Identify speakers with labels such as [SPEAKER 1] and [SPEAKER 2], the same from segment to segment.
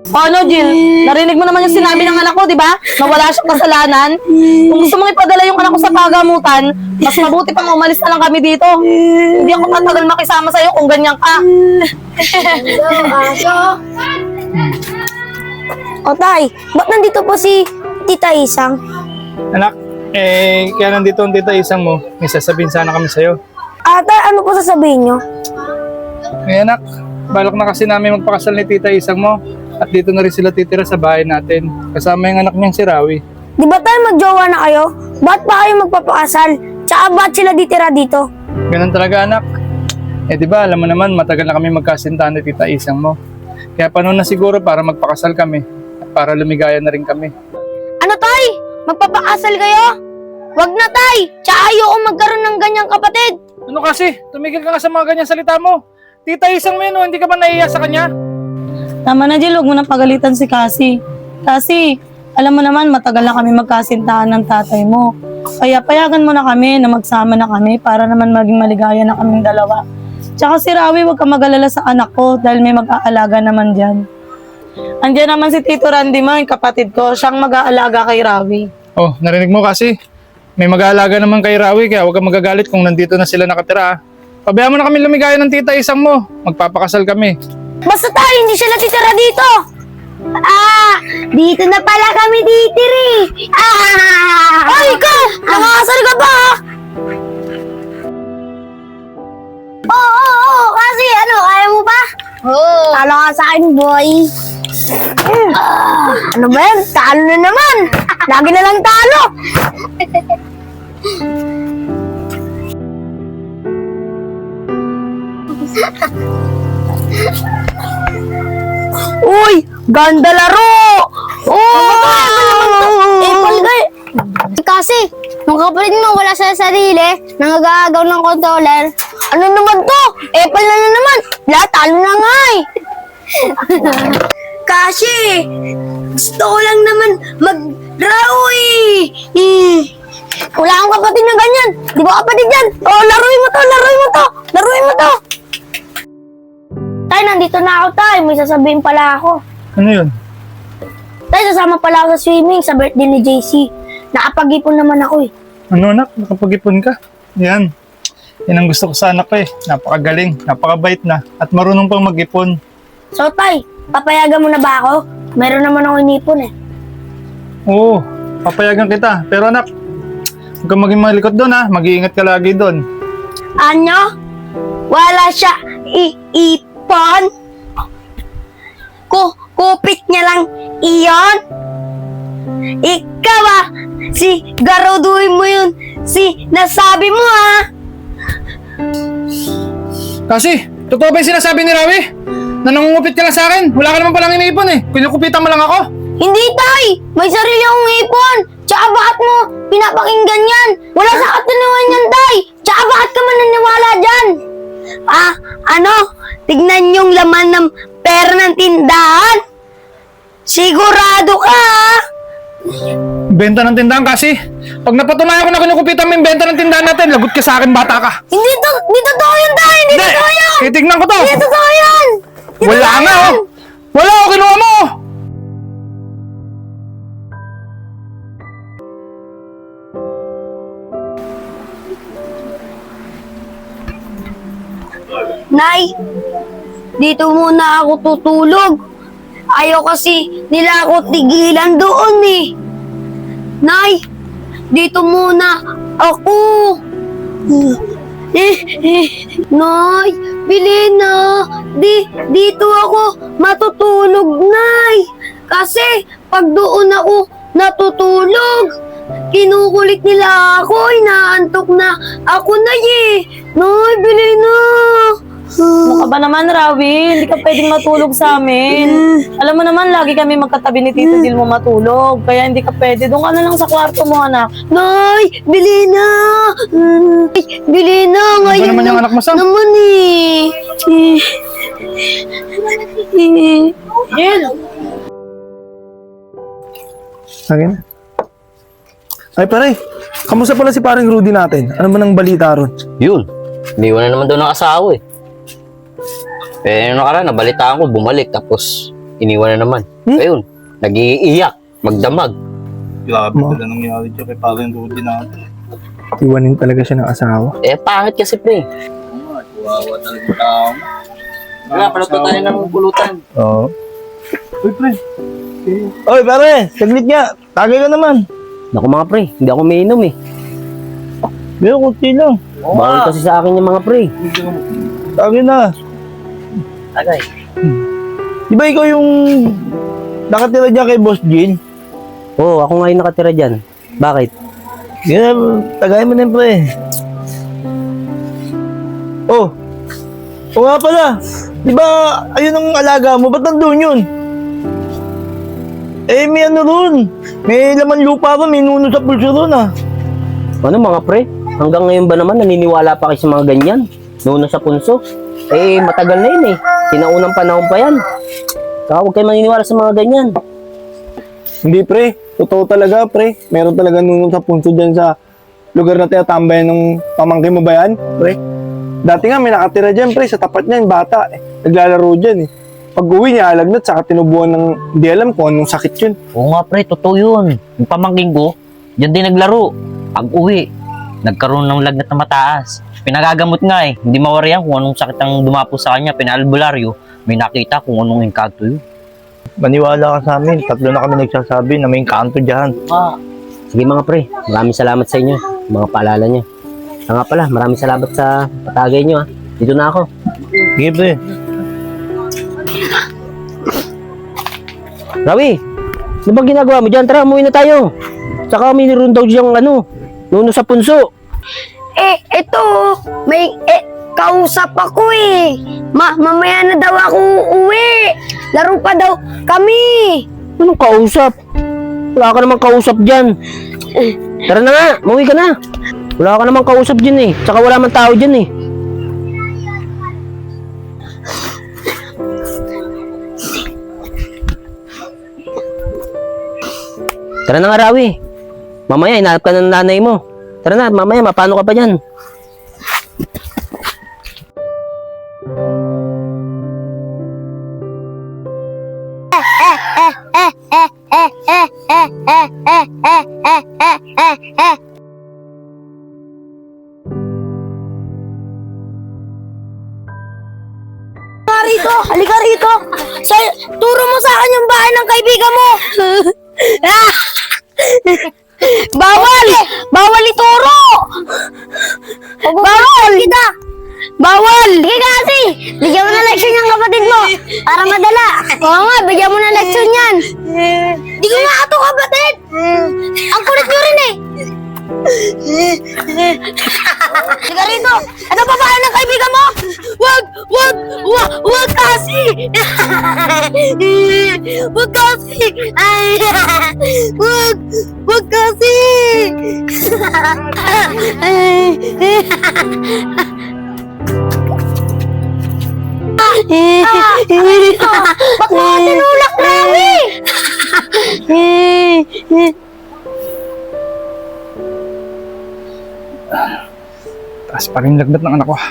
[SPEAKER 1] Ano, Jill? Narinig mo naman yung sinabi ng anak ko, di ba? Na wala siyang kasalanan. Kung gusto mong ipadala yung anak ko sa pagamutan, mas mabuti pang umalis na lang kami dito. Hindi ako matagal makisama sa'yo kung ganyan ka.
[SPEAKER 2] O tay, ba't nandito po si Tita Isang?
[SPEAKER 3] Anak, kaya nandito ang tita Isang mo. May sasabihin sana kami sa'yo.
[SPEAKER 2] Tay, ano po sasabihin nyo?
[SPEAKER 3] Anak, balak na kasi namin magpakasal ni tita Isang mo. At dito na rin sila titira sa bahay natin. Kasama yung anak niyang si Rawi.
[SPEAKER 2] Di ba tayo magjowa na kayo? Ba't pa kayo magpapakasal? Tsaka ba't sila ditira dito?
[SPEAKER 3] Ganun talaga, anak. Di ba, alam mo naman, matagal na kami magkasintahan ni tita Isang mo. Kaya panahon na siguro para magpakasal kami. At para lumigaya na rin kami.
[SPEAKER 2] Ano tay? Magpapakasal kayo? Wag na tay! Tsaka ayoko magkaroon ng ganyang kapatid!
[SPEAKER 3] Ano kasi? Tumigil ka nga sa mga ganyan salita mo. Tita Isang mo yun, hindi ka ba naiiyak sa kanya?
[SPEAKER 1] Tama na, Jill. Huwag mo na pagalitan si Cassie. Cassie, alam mo naman, matagal na kami magkasintahan ng tatay mo. Kaya payagan mo na kami na magsama na kami para naman maging maligaya na kaming dalawa. Tsaka si Rawi, huwag ka mag-alala sa anak ko dahil may mag-aalaga naman dyan. Andiyan naman si Tito Randy mo, yung kapatid ko. Siyang mag-aalaga kay Rawi.
[SPEAKER 3] Oh, narinig mo kasi. May mag-aalaga naman kay Rawi, kaya huwag kang magagalit kung nandito na sila nakatira. Pabayaan mo na kami lumigaya ng tita Isang mo. Magpapakasal kami.
[SPEAKER 2] Basta tayo, hindi sila titira dito! Dito na pala kami titiri! Ay, ikaw! Nakakasal ka ba? Oo, kasi ano, kaya mo ba? Oo. Talo ka sa akin, boy. Ano ba yan? Talo na naman! Lagi na lang talo! Uy! Ganda laro! Apple guy! Kasi, nung kapatid mo wala sa sarili, nangagagaw ng controller, ano naman to? Apple na naman! Lahat talo na nga eh! Kasi, gusto ko lang naman mag-draw eh! Wala akong kapatid na ganyan! Di ba kapatid yan? Oh, laruin mo to! Laruin mo to! Laruin mo to! Tay, nandito na ako, tay. May sasabihin pala ako.
[SPEAKER 3] Ano yun?
[SPEAKER 2] Tay, sasama pala ako sa swimming sa birthday ni JC. Nakapag-ipon naman ako eh.
[SPEAKER 3] Ano anak? Nakapag-ipon ka? Yan. Yan ang gusto ko sa anak ko eh. Napakagaling, napakabait na, at marunong pang mag-ipon.
[SPEAKER 2] So, tay, papayagan mo na ba ako? Meron naman ako inipon eh.
[SPEAKER 3] Oo, papayagan kita. Pero anak, huwag kang maging malikot doon ha. Mag-iingat ka lagi doon.
[SPEAKER 2] Ano? Wala siya iipon? Kupit niya lang iyon? Ikaw si garuduhin mo yun, nasabi mo
[SPEAKER 3] Kasi, totoo ba yung sinasabi ni Rawi? Na nangungupit ka lang sa akin? Wala ka naman palang iniipon eh. Kinukupitan mo lang ako.
[SPEAKER 2] Hindi tay! May sarili akong ipon! Tsaka bakit mo pinapakinggan yan? Wala sa katunuan yan tay! Tsaka bakit ka mananiwala dyan? Ano? Tignan yung laman ng pera ng tindahan? Sigurado ka
[SPEAKER 3] Benta ng tindahan kasi. Pag napatunayan ko na kinukupitan mo yung benta ng tindahan natin, lagot ka sa akin, bata ka.
[SPEAKER 2] Hindi totoo yun tay! Hindi totoo yun!
[SPEAKER 3] Titignan ko to.
[SPEAKER 2] Hindi totoo yun!
[SPEAKER 3] Wala nga oh. Wala oh, kinuha mo.
[SPEAKER 2] Nay, dito muna ako tutulog. Ayaw kasi nila ako tigilan doon eh. Nay, dito muna ako. Nay, bili na. Dito ako matutulog, Nay. Kasi pag doon ako natutulog, kinukulit nila ako. Inaantok na ako na eh. Nay, bili na.
[SPEAKER 1] Ano ka ba naman, Rawi? Hindi ka pwedeng matulog sa amin. Alam mo naman, lagi kami magkatabi ni Tito Jill mo matulog. Kaya hindi ka pwede. Doon ka na lang sa kwarto mo, anak.
[SPEAKER 2] Nay, bili na. Bili na. Ngayon
[SPEAKER 3] naman yung anak mo, Sam?
[SPEAKER 2] naman eh.
[SPEAKER 1] Jill!
[SPEAKER 4] Akin na. Ay pare, kamusta pala si paring Rudy natin? Ano man ang balita ron?
[SPEAKER 5] Yun, iniwan na naman daw ng asawa eh. Eh, nakaraan, nabalitaan ko, bumalik. Tapos, iniwan na naman. Ayun, nag-iiyak, magdamag.
[SPEAKER 6] Grabe pala nangyari dyan kay parang Rudy natin.
[SPEAKER 4] Iwanin talaga siya ng asawa.
[SPEAKER 5] Eh, pangit kasi pre.
[SPEAKER 6] Kawawa talaga tao.
[SPEAKER 5] Wala, palat pa tayo ng pulutan.
[SPEAKER 4] Oo.
[SPEAKER 6] Uy, pre.
[SPEAKER 4] Oy, pare, saglit nga. Tagay ka naman.
[SPEAKER 5] Naku mga pre, hindi ako umiinom eh.
[SPEAKER 4] Pero kunti lang.
[SPEAKER 5] Bawal kasi sa akin yung mga pre.
[SPEAKER 4] Tagay na.
[SPEAKER 5] Tagay.
[SPEAKER 4] Di ba ikaw yung nakatira dyan kay Boss Jean?
[SPEAKER 5] Oo, ako nga yung nakatira dyan. Bakit?
[SPEAKER 4] Yeah, tagay mo na yun, pre. Oh. O nga pala. Di ba, ayun ang alaga mo. Ba't nandun yun? Eh, may ano ron. May laman lupa ron. May nuno sa pulso ron, ah.
[SPEAKER 5] Ano mga pre? Hanggang ngayon ba naman naniniwala pa kayo sa mga ganyan? Nuno sa punso? Eh, matagal na yun eh. Sinaunang panahon pa yan. Saka huwag kayo maniniwala sa mga ganyan.
[SPEAKER 4] Hindi, pre. Totoo talaga, pre. Meron talaga nuno sa pulso dyan sa lugar na tinatambayan ng pamangkin mo ba yan, pre? Dati nga may nakatira dyan, pre. Sa tapat niya, yung bata. Naglalaro dyan, eh. Pag uwi niya, alagnat, saka tinubuan ng hindi alam kung anong sakit yun.
[SPEAKER 7] Oo nga pre, totoo yun. Yung pamangking ko, dyan din naglaro. Pag uwi, nagkaroon ng lagnat na mataas. Pinagagamot nga eh. Hindi mawari yan kung anong sakit ang dumapo sa kanya. Pinaalbularyo, may nakita kung anong engkanto yun.
[SPEAKER 4] Maniwala ka sa amin. Tatlo na kami nagsasabi na may kanto dyan.
[SPEAKER 5] Sige mga pre, maraming salamat sa inyo. Mga paalala nyo. Nga pala, maraming salamat sa patagay nyo ha. Dito na ako.
[SPEAKER 4] Sige, pre.
[SPEAKER 5] Rawi, ano bang ginagawa mo dyan? Tara, umuwi na tayo. Saka may niroon daw diyang nuno sa punso.
[SPEAKER 2] Eto, may, kausap ako eh. Mamaya na daw ako uuwi. Laro pa daw kami.
[SPEAKER 5] Anong kausap? Wala ka namang kausap dyan. Tara na nga, umuwi ka na. Wala ka namang kausap dyan eh. Saka wala man tao dyan eh. Tara na nga, Rawi. Mamaya, inahanap ka ng nanay mo. Tara na, mamaya, mapano ka pa dyan?
[SPEAKER 2] Halika rito. Turo mo sa akin yung bahay ng kaibigan mo. Bawal! Bawal ituro! Bawal! Kita! Bawal! Sige kasi! Bigyan mo na leksyon yung kapatid mo para madala. Oo nga, bigyan mo na leksyon yan. Di ko nga ito kapatid! Ang kulit nyo rin eh! Sige rito! Ano ba bahay ng kaibigan mo? Wag kasi! Wag kasi! Wag kasi! Ba't mo tinulak, Rawi?
[SPEAKER 3] Taas pa rin lagnat ng anak ko.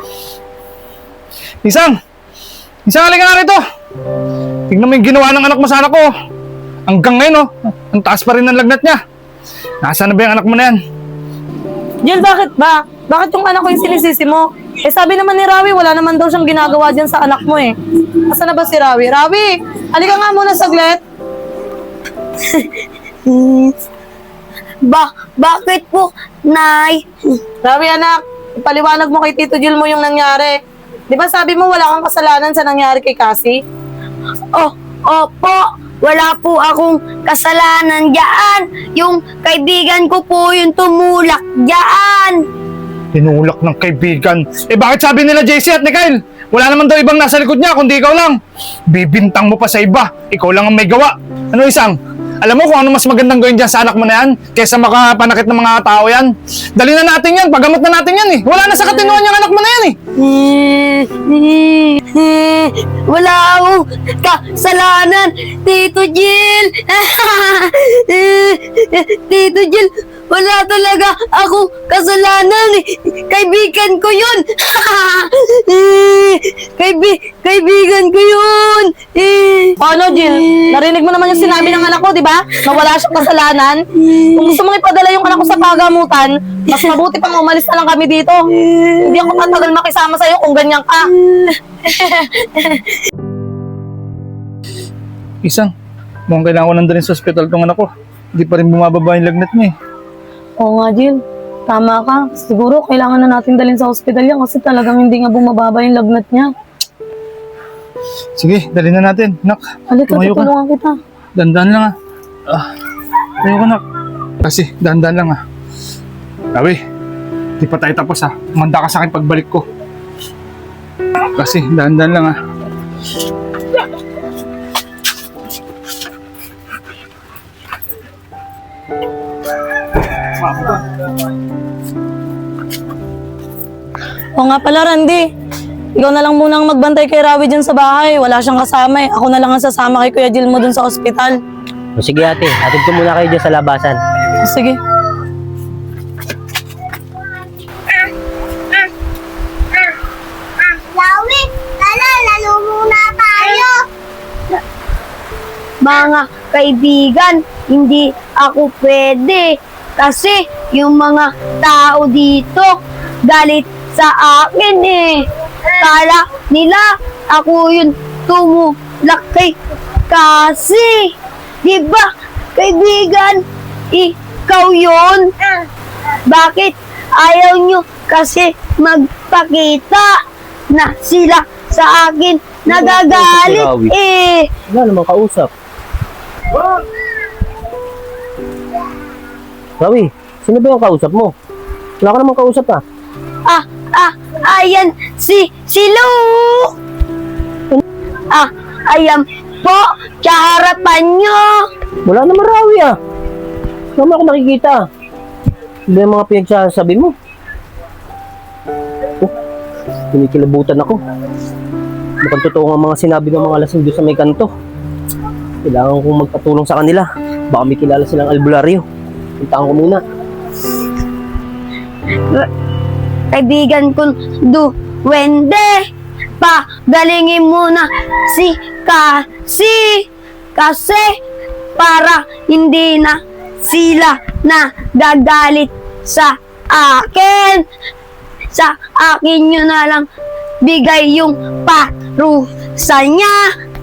[SPEAKER 3] Isang! Isang, halika nga rito! Tignan mo yung ginawa ng anak mo sa anak ko. Hanggang ngayon, oh, ang taas pa rin ng lagnat niya. Nasaan na ba yung anak mo na yan?
[SPEAKER 1] Jill, bakit ba? Bakit yung anak ko yung sinisisi mo? Eh sabi naman ni Rawi, wala naman daw siyang ginagawa dyan sa anak mo eh. Asan na ba si Rawi? Rawi, halika nga muna saglit.
[SPEAKER 2] Bakit po, Nay?
[SPEAKER 1] Rawi anak, ipaliwanag mo kay Tito Jill mo yung nangyari. Di ba sabi mo wala kang kasalanan sa nangyari kay Cassie?
[SPEAKER 2] Opo, wala po akong kasalanan dyan. Yung kaibigan ko po yung tumulak dyan.
[SPEAKER 3] Tinulak ng kaibigan. Eh bakit sabi nila JC at ni Kyle? Wala naman daw ibang nasa likod niya kundi ikaw lang. Bibintang mo pa sa iba. Ikaw lang ang may gawa. Ano Isang? Alam mo kung ano mas magandang gawin dyan sa anak mo na yan kaysa makapanakit ng mga tao yan? Dali na natin yan. Pagamot na natin yan eh. Wala na sa katinuan yung anak mo na yan eh.
[SPEAKER 2] Wala akong kasalanan, Tito Jill. Tito Jill, wala talaga ako kasalanan. Kaibigan ko yun. Kaibigan ko yun.
[SPEAKER 1] Ano, Jill? Narinig mo naman yung sinabi ng anak ko, di ba? Na wala siyang kasalanan. Kung gusto mong ipadala yung anak ko sa pagamutan, mas mabuti pang umalis na lang kami dito. Hindi ako tatagal makisama sa'yo kung ganyan ka.
[SPEAKER 3] Isang, mukhang kailangan ko nandun sa ospital tong anak ko. Hindi pa rin bumababa yung lagnat niya eh.
[SPEAKER 1] Oo nga, Jill. Tama ka. Siguro kailangan na natin dalhin sa ospital yan kasi talagang hindi nga bumababa yung lagnat niya.
[SPEAKER 3] Sige, dali na natin. Nak,
[SPEAKER 1] Halika,
[SPEAKER 3] tumayo ka.
[SPEAKER 1] tutulungan kita.
[SPEAKER 3] Dandan lang tayo ka nak. Kasi, dandan lang Rawi, di pa tayo tapos Umanda ka sa akin pagbalik ko. Kasi, dandan lang
[SPEAKER 1] Oo nga pala, Randy. Ikaw na lang munang magbantay kay Rawi dyan sa bahay. Wala siyang kasama eh. Ako na lang ang sasama kay Kuya Jill mo dun sa ospital.
[SPEAKER 5] O sige ate, hatid ko muna kayo dyan sa labasan.
[SPEAKER 1] Sige.
[SPEAKER 2] Lawi, lalo muna tayo. Mga kaibigan, hindi ako pwede. Kasi yung mga tao dito, galit sa akin eh. Kala nila ako yung tumulaki. Kasi, di ba, kaibigan, ikaw yun? Bakit ayaw nyo kasi magpakita na sila sa akin nagagalit eh?
[SPEAKER 5] Wala namang kausap. Rawi, sino ba yung kausap mo? Wala ka namang kausap
[SPEAKER 2] Ayan, si Lu. Ayan po, sa harapan nyo.
[SPEAKER 5] Wala naman Rawi Wala mo ako nakikita. Hindi yung mga pinagsasabi mo. Oh, kinikilabutan ako. Mukhang totoo ang mga sinabi ng mga lasing doon sa may kanto. Kailangan kong magpatulong sa kanila. Baka may kilala silang albularyo. Puntaan ko muna.
[SPEAKER 2] Kaibigan ko, duwende. Pagalingin mo na si kasi para hindi na sila na gagalit sa akin. Sa akin nyo na lang bigay yung parusa niya.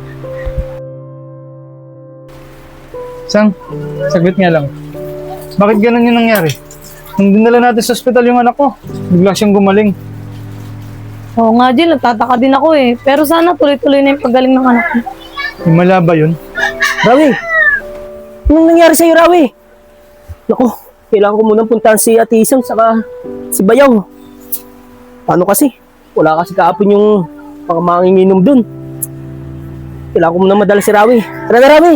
[SPEAKER 3] Sang, saglit nga lang. Bakit ganun yung nangyari? Nung dinala natin sa ospital yung anak ko, bigla siyang gumaling.
[SPEAKER 1] Oo nga, Jill. Nagtataka din ako eh. Pero sana tuloy-tuloy na yung paggaling ng anak ko.
[SPEAKER 3] Himala ba yun?
[SPEAKER 5] Rawi! Anong nangyari sa'yo, Rawi? Naku, kailangan ko munang puntahan si Ate Isang saka si Bayaw. Paano kasi? Wala kasi kaapon yung mga manginginom dun. Kailangan ko munang madala si Rawi. Tara na, Rawi!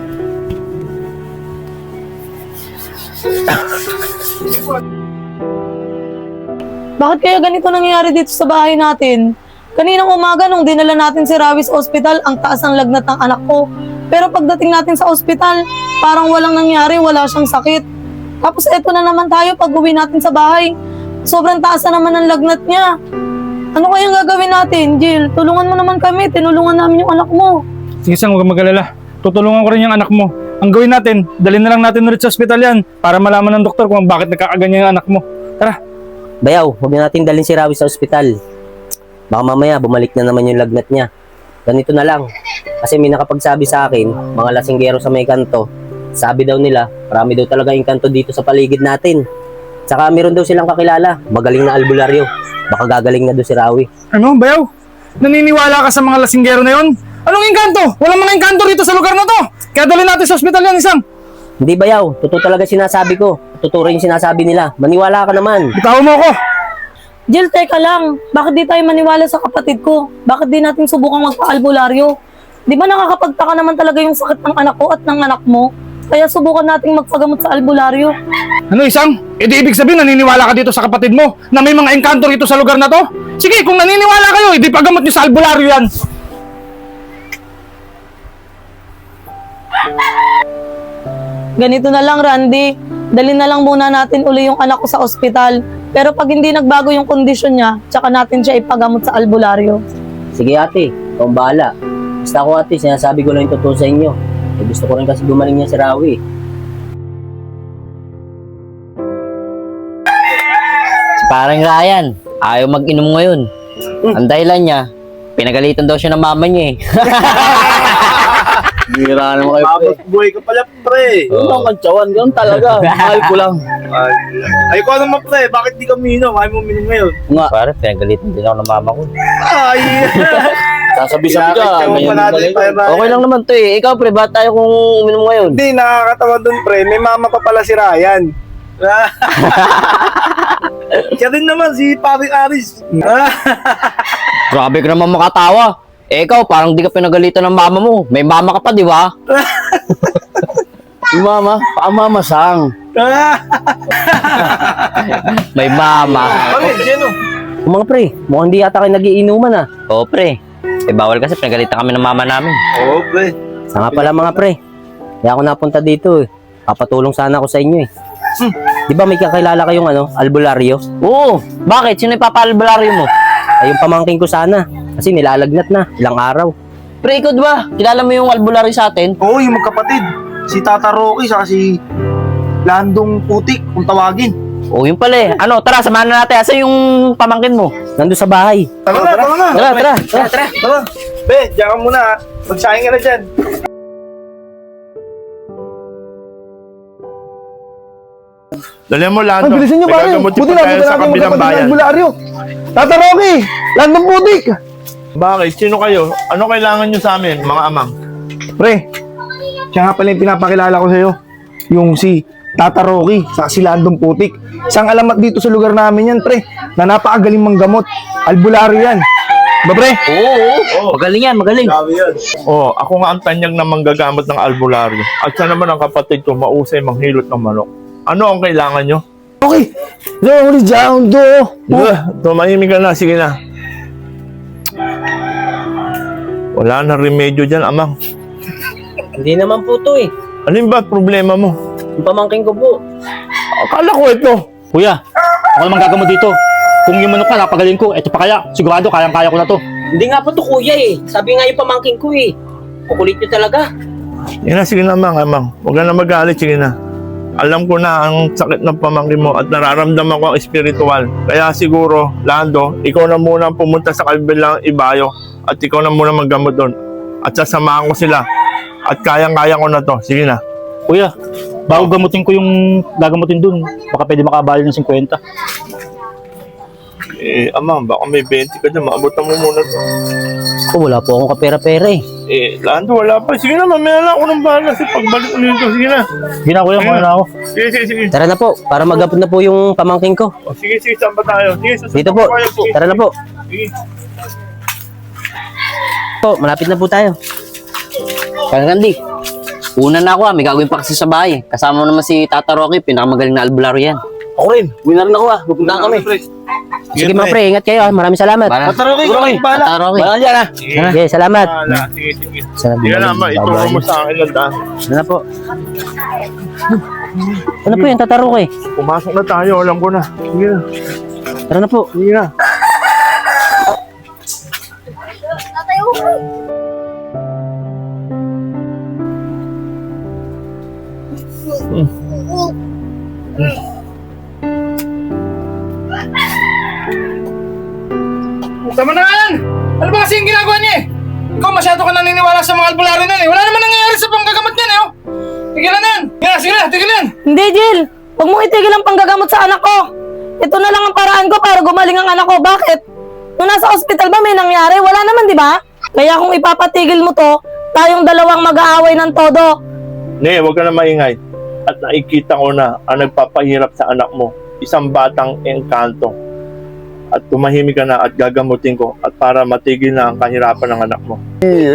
[SPEAKER 1] Bakit kaya ganito nangyayari dito sa bahay natin? Kaninang umaga nung dinala natin si Rawi sa ospital, ang taas ng lagnat ng anak ko. Pero pagdating natin sa ospital, parang walang nangyari, wala siyang sakit. Tapos eto na naman tayo pag uwi natin sa bahay. Sobrang taas na naman ang lagnat niya. Ano kayang gagawin natin, Jill? Tulungan mo naman kami, tinulungan namin yung anak mo.
[SPEAKER 3] Sige Sang, huwag kang mag-alala. Tutulungan ko rin yung anak mo. Ang gawin natin, dalhin na lang natin ulit sa ospital yan para malaman ng doktor kung bakit nagkakaganyan yung anak mo. Tara.
[SPEAKER 5] Bayaw, huwag na natin dalhin si Rawi sa ospital. Baka mamaya bumalik na naman yung lagnat niya. Ganito na lang. Kasi may nakapagsabi sa akin, mga lasinggero sa may kanto, sabi daw nila, marami daw talaga yung kanto dito sa paligid natin. Tsaka meron daw silang kakilala, magaling na albularyo. Baka gagaling na daw si Rawi.
[SPEAKER 3] Ano, Bayaw? Naniniwala ka sa mga lasinggero na yon? Anong engkanto? Walang mga engkanto rito sa lugar na to. Kaya dalhin natin sa ospital yan, Isang.
[SPEAKER 5] Hindi Bayaw, totoo talaga sinasabi ko. Totoo rin yung sinasabi nila. Maniwala ka naman.
[SPEAKER 3] Bitawan mo ako.
[SPEAKER 1] Jill, teka lang. Bakit di tayo maniwala sa kapatid ko? Bakit di natin subukang magpa-albularyo? Di ba nakakapagtaka naman talaga yung sakit ng anak ko at ng anak mo? Kaya subukan nating magpagamot sa albularyo.
[SPEAKER 3] Ano, Isang? E di ibig sabihin naniniwala ka dito sa kapatid mo na may mga engkanto rito sa lugar na to? Sige, kung naniniwala kayo, edi pagamot niyo sa albularyo yan.
[SPEAKER 1] Ganito na lang, Randy. Dalhin na lang muna natin uli yung anak ko sa ospital. Pero pag hindi nagbago yung kondisyon niya, tsaka natin siya ipagamot sa albularyo.
[SPEAKER 5] Sige ate, ikaw ang bahala. Basta ako ate, sinasabi ko lang yung totoo sa inyo. Eh, gusto ko rin kasi gumaling niya si Rawi.
[SPEAKER 7] Si parang Ryan, ayaw mag-inom ngayon. Ang dahilan niya, pinagalitan daw siya ng mama niya eh.
[SPEAKER 6] Bira naman kayo, pre. Boy ka pala, pre.
[SPEAKER 7] Oo.
[SPEAKER 6] Ang kantsawan, ganun talaga. Mahal ko lang. Ay, ko naman, pre. Bakit di ka minom? Ayaw mo minom ngayon.
[SPEAKER 7] Nga. Pare, pinagalitan din ako ng mama ko.
[SPEAKER 6] Ay!
[SPEAKER 7] Sasabi-sabi ka,
[SPEAKER 6] Kailangan
[SPEAKER 7] ngayon
[SPEAKER 6] pa natin,
[SPEAKER 7] galing.
[SPEAKER 6] pre, Ryan.
[SPEAKER 7] Okay lang naman to eh. Ikaw pre, ba't tayo kung uminom ngayon?
[SPEAKER 4] Hindi, nakakatawa dun, pre. May mama pa pala si Ryan.
[SPEAKER 6] Siya din naman, si Paring Aris.
[SPEAKER 7] Grabe ka naman makatawa. Eh ikaw, parang di ka pinagalitan ng mama mo. May mama ka pa, di ba?
[SPEAKER 6] Yung mama, paamamasang.
[SPEAKER 7] May mama.
[SPEAKER 6] Bakit, Jeno?
[SPEAKER 5] Mga pre, mukhang di yata kayo nagiinuman ah.
[SPEAKER 7] Oo pre. Eh bawal kasi pinagalitan kami ng mama namin.
[SPEAKER 6] Oo, pre.
[SPEAKER 5] Sa nga pala mga pre, kaya ako napunta dito eh. Papatulong sana ako sa inyo eh. Di ba may kakilala kayong albularyo?
[SPEAKER 7] Oo. Bakit? Sino ipapaalbularyo mo?
[SPEAKER 5] Ay yung pamangking ko sana. Kasi nilalagnat na, ilang araw.
[SPEAKER 7] Pre, ikaw ba? Kilala mo yung albularyo sa atin?
[SPEAKER 6] Oo, yung magkapatid. Si Tata Rocky, saka si Landong Putik, kung tawagin.
[SPEAKER 7] Oo, yun pala eh. Ano, tara, samahan na natin. Asa yung pamangkin mo?
[SPEAKER 5] Nandun sa bahay.
[SPEAKER 6] Tara na, tara na.
[SPEAKER 5] Tara.
[SPEAKER 6] Tara. Be, diyan ka muna ha. Magsahin ka na dyan.
[SPEAKER 3] Dali mo, Lando.
[SPEAKER 4] Ay, bilisan nyo, pare.
[SPEAKER 3] Magagamutin
[SPEAKER 4] Buti
[SPEAKER 3] pa tayo
[SPEAKER 4] na,
[SPEAKER 3] sa
[SPEAKER 4] natin
[SPEAKER 3] kabilang
[SPEAKER 4] magkapatid ng
[SPEAKER 3] bayan.
[SPEAKER 4] albularyo. Tata Rocky, Landong Putik.
[SPEAKER 3] Bakit? Sino kayo? Ano kailangan nyo sa amin, mga amang?
[SPEAKER 4] Pre, siya nga pala yung pinapakilala ko sa'yo. Yung si Tata Rocky, sa si Landong Putik. Isang alamat dito sa lugar namin yan, pre, na napakagaling manggamot. Albularyo yan. Ba, pre?
[SPEAKER 7] Oo. Magaling yan, magaling.
[SPEAKER 6] Sabi yan.
[SPEAKER 3] Oh, ako nga ang tanyag na manggagamot ng albularyo. At siya naman ang kapatid ko, mausay manghilot ng manok. Ano ang kailangan nyo?
[SPEAKER 4] Okay. Rolly down do.
[SPEAKER 3] Tumahimik ka na, sige na. Wala na remedyo dyan, amang.
[SPEAKER 5] Hindi naman po to eh.
[SPEAKER 3] Alin ba problema mo?
[SPEAKER 5] Yung pamangking ko po.
[SPEAKER 3] Akala ko ito.
[SPEAKER 8] Kuya, ako naman gagamot dito. Kung yung manok ka, napagaling ko, eto pa kaya. Sigurado, kayang-kaya ko na to.
[SPEAKER 5] Hindi nga po to kuya eh. Sabi nga yung pamangking ko eh. Kukulit nyo talaga.
[SPEAKER 3] Sige na, amang. Huwag ka na magalit, sige na. Alam ko na ang sakit ng pamangkin mo at nararamdaman ko ang espiritual. Kaya siguro, Lando, ikaw na muna ang pumunta sa kabilang ibayo at ikaw na muna maggamot doon. At sasamahan ko sila. At kayang-kaya ko na to. Sige na.
[SPEAKER 8] Kuya, bago gamutin ko yung gagamutin dun, baka pwede makabayad ng 50.
[SPEAKER 3] Amang, baka may 20 ka dyan. Maabutan mo muna to.
[SPEAKER 5] Ako wala po akong kapera-pera eh.
[SPEAKER 3] Lando, wala pa. Sige na, mamaya na ako ng bahala. Kasi pagbalik ko nito, sige na.
[SPEAKER 8] Sige na kuya, muna na ako.
[SPEAKER 3] Sige.
[SPEAKER 5] Tara na po, para magabot na po yung pamangking ko.
[SPEAKER 3] Sige, saan ba tayo? Sige, susunod
[SPEAKER 5] Dito po,
[SPEAKER 3] tayo. Sige.
[SPEAKER 5] tara na po.
[SPEAKER 3] Sige.
[SPEAKER 5] Po, malapit na po tayo.
[SPEAKER 7] Kanandi. Una na ako may gagawin pa kasi sa bahay. Kasama mo naman si Tata Rocky, pinakamagaling na albularyo yan.
[SPEAKER 6] Ako rin. Uwi na rin ako Pupuntahan kami.
[SPEAKER 5] Sige mga pre, ingat kayo. Maraming salamat.
[SPEAKER 6] Tata Rocky, ikaw bahala.
[SPEAKER 7] Tata Rocky.
[SPEAKER 6] Bahala dyan ha.
[SPEAKER 5] Sige, salamat.
[SPEAKER 3] Sige.
[SPEAKER 5] Salamat.
[SPEAKER 3] Sige na, ituro mo sa akin lang.
[SPEAKER 5] Ano na po? Ano po yung tataro ko eh?
[SPEAKER 3] Pumasok na tayo, alam ko na. Sige na.
[SPEAKER 5] Tara na po.
[SPEAKER 3] Sige na. Tama na nga yan! Ano ba kasi yung ginagawa niya eh? Ikaw masyado ka naniniwala sa mga albularyo na eh. Wala naman nangyayari sa panggagamot niyan eh. Oh. Tigilan na yan! Sige na, tigilan!
[SPEAKER 1] Hindi, Jill. Huwag mong itigil ang panggagamot sa anak ko. Ito na lang ang paraan ko para gumaling ang anak ko. Bakit? Nung nasa ospital ba may nangyari? Wala naman, di ba? Kaya kung ipapatigil mo to, tayong dalawang mag-aaway ng todo.
[SPEAKER 3] Ne, huwag ka na maingay. At nakikita ko na ang nagpapahirap sa anak mo. Isang batang engkanto. At tumahimik ka na at gagamutin ko at para matigil na ang kahirapan ng anak mo.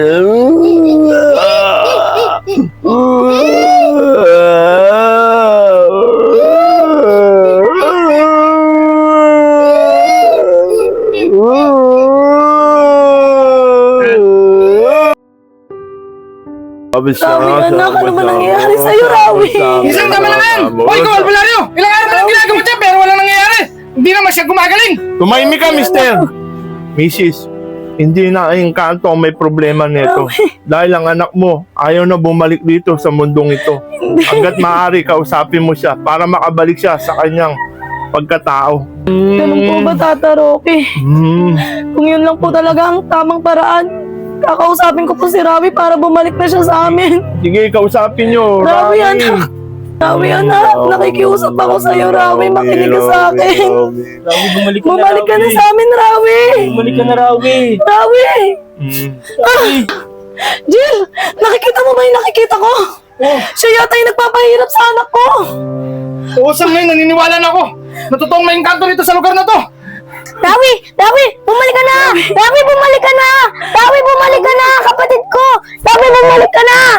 [SPEAKER 1] Rawi, anak, ano ba nangyayari sa'yo, Rawi?
[SPEAKER 3] Isang tama lang yan! Hoy, ikaw, albularyo! Ilang araw na lang ginagawa dyan pero walang nangyayari! Hindi naman siya gumagaling! Tumahimik ka, mister! Mrs.
[SPEAKER 6] Hindi na Encanto ang may problema nito. Dahil ang anak mo ayaw na bumalik dito sa mundong ito. Hanggat maaari, kausapin mo siya para makabalik siya sa kanyang pagkatao.
[SPEAKER 1] Ganun po ba, Tata Roque?
[SPEAKER 6] Hmm.
[SPEAKER 1] Kung yun lang po talaga ang tamang paraan, kakausapin ko po si Rawi para bumalik na siya sa amin.
[SPEAKER 6] Sige, kausapin nyo.
[SPEAKER 1] Rawi, anak. Rawi, anak. Nakikiusap ako sa'yo, Rawi. Makinig ka sa akin.
[SPEAKER 7] Rawi, bumalik
[SPEAKER 1] Bumalik ka na sa amin, Rawi.
[SPEAKER 7] Bumalik ka na, Rawi.
[SPEAKER 1] Rawi!
[SPEAKER 6] Hmm.
[SPEAKER 1] Jill, nakikita mo ba yung nakikita ko? Siya yata yung nagpapahirap sa anak ko.
[SPEAKER 3] Oo, sa ngayon, naniniwala na ako. Natutuong may engkanto dito sa lugar na to.
[SPEAKER 2] Rawi! Rawi! Bumalik ka na! Rawi, bumalik ka na! Rawi, bumalik ka na! Kapatid ko! Rawi, bumalik ka na!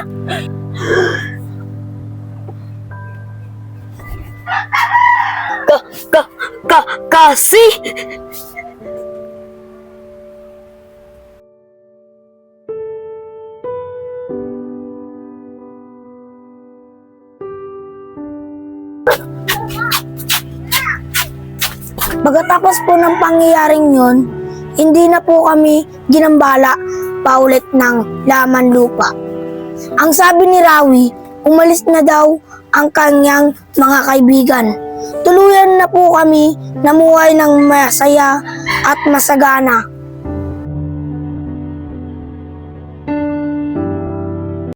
[SPEAKER 2] Kasi! Pagkatapos po ng pangyayaring yon, hindi na po kami ginambala paulit ng laman lupa. Ang sabi ni Rawi, umalis na daw ang kanyang mga kaibigan. Tuluyan na po kami namuhay ng masaya at masagana